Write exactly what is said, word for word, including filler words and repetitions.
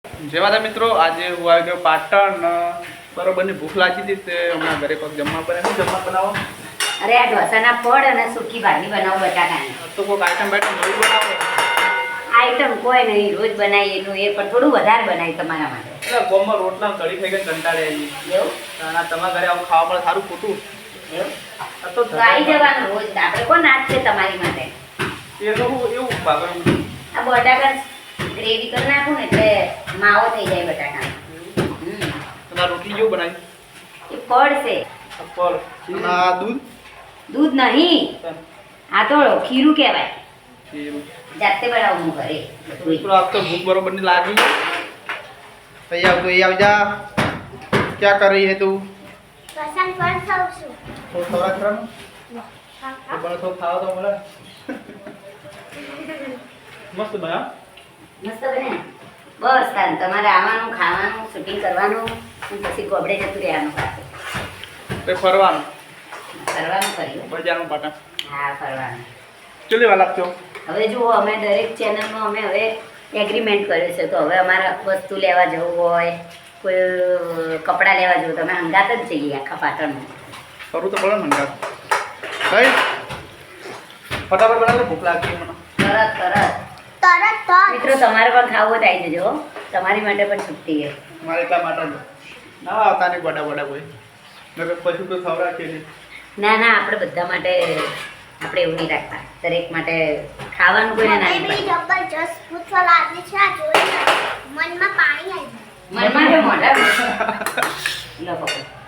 જય માતા મિત્રો, આજે હું આવી ગયો પાટણ. બરોબરની ભૂખ લાગી હતી તે હમણાં ઘરે કોઈક જમવા બને. શું જમવા બનાવો? અરે આ ઢોસાના પડ અને સૂકી ભાજી બનાવો બટાકાની. તો કોઈક આઈટમ બાઈટમ નવી બનાવો. આઈટમ કોઈ નહીં, રોજ બનાવીએ એટલું એ પણ થોડું વધારે બનાવી તમારા માટે. એટલે ગોમાં રોટલા કઢી ખાઈ ગઈ કંટાળે આવી. એવું? અને તમારા ઘરે આવું ખાવા મળે સારું ખોટું. એવું? આ તો તો આવી જવાનું રોજ. આપણે કોણ નાચ છે તમારી માટે? એનું એવું ભાગવાનું. આ બટાકા ગ્રેવી કરી નાખું ને એટલે માવો થઈ જાય બટાકાનો. હમ તમારે રોટલી કેવું બનાવી? એ પડ છે. પર આ દૂધ દૂધ નહીં, આ તો ખીરું કહેવાય. એવું. જાતે બનાવું હું ઘરે. મિત્રો આપ તો ભૂખ બરોબરની લાગી. અહીં આવ તો અહીં આવી જા. ક્યાં कर रही है तू? પસંદ પર થાઉં છું. તો ખરા ખરા તો બને તો ખાવા તો મળે. મસ્ત બના. મસ્ત બને. બસ તાન તમારે આવવાનું, ખાવાનું, શૂટિંગ કરવાનું અને પછી ગોબડે જતું રહેવાનું પાછું. તે ફરવાનું ફરવાનું કર્યું. બજારનું પાટણ. હા, ફરવાનું. ચલી વાર લાગતો. હવે જુઓ, અમે દરેક ચેનલમાં અમે હવે એગ્રીમેન્ટ કર્યું છે. તો હવે અમારે વસ્તુ લેવા જવું હોય, કોઈ કપડાં લેવા જવું, તો અમે હંગાત જ જઈએ આખા પાટણમાં. કરું તો પડે ને મંગા. ભાઈ ફટાફટ બનાવે, ભૂખ લાગી મને. તરત તરત તરત તો મિત્રો, તમારે પણ ખાવું હોય તો આવી જજો હો. તમારી માટે પણ છુટ્ટી છે. મારે એટલા માટે જ ના આવતા નહીં ગોડા ગોડા કોઈ. નકર પછી તો ખવડા કે નહીં. ના ના, આપણે બધા માટે આપણે એવું નહીં રાખતા. દરેક માટે ખાવાનું કોઈને ના મને બી નહીં જબરજસ્ત પૂછવા લાગી છે. આ જોઈને મનમાં પાણી આવી ગયું. મનમાં કે મોઢા લો પકડ.